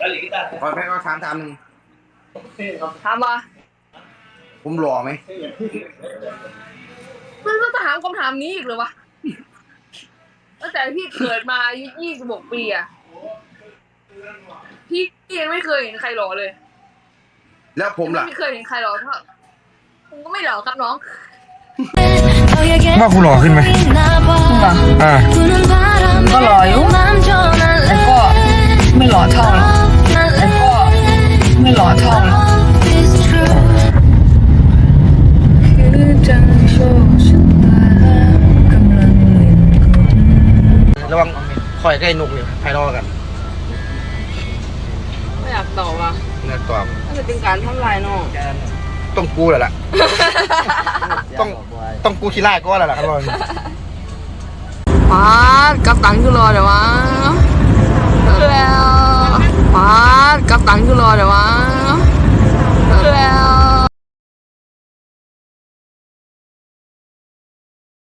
ขอแม่ก็ถามหนึ่งถามว่าผมหล่อไหมมันต้องถามคำถามนี้อีกเลยวะตั้งแต่พี่เกิดมาอายุ26 ปีอะพี่ยังไม่เคยเห็นใครหล่อเลยแล้วผมล่ะไม่เคยเห็นใครหล่อเท่าผมก็ไม่หล่อครับน้องว่ากูหล่อขึ้นไหมอ่าก็หล่ออยู่แต่ก็ไม่หล่อเท่าหรอกแต่ก็ไม่หล่อเท่าหรอกคือจังโชคชะตากำลังเล่นกลระวังคอยใกล้นกเนี่ยภายนอกกันไม่อยากตอบอ่ะเนื้อตัวน่าจะเป็นการทำลายน้องต้องกูแหละล่ะ ต้องกูขี้ไล่ก็แหละล่ะครับบอลป๊าดกับตังค์คือรอเดี๋ยววะแล้วป๊าดกับตังค์คือรอเดี๋ยววะ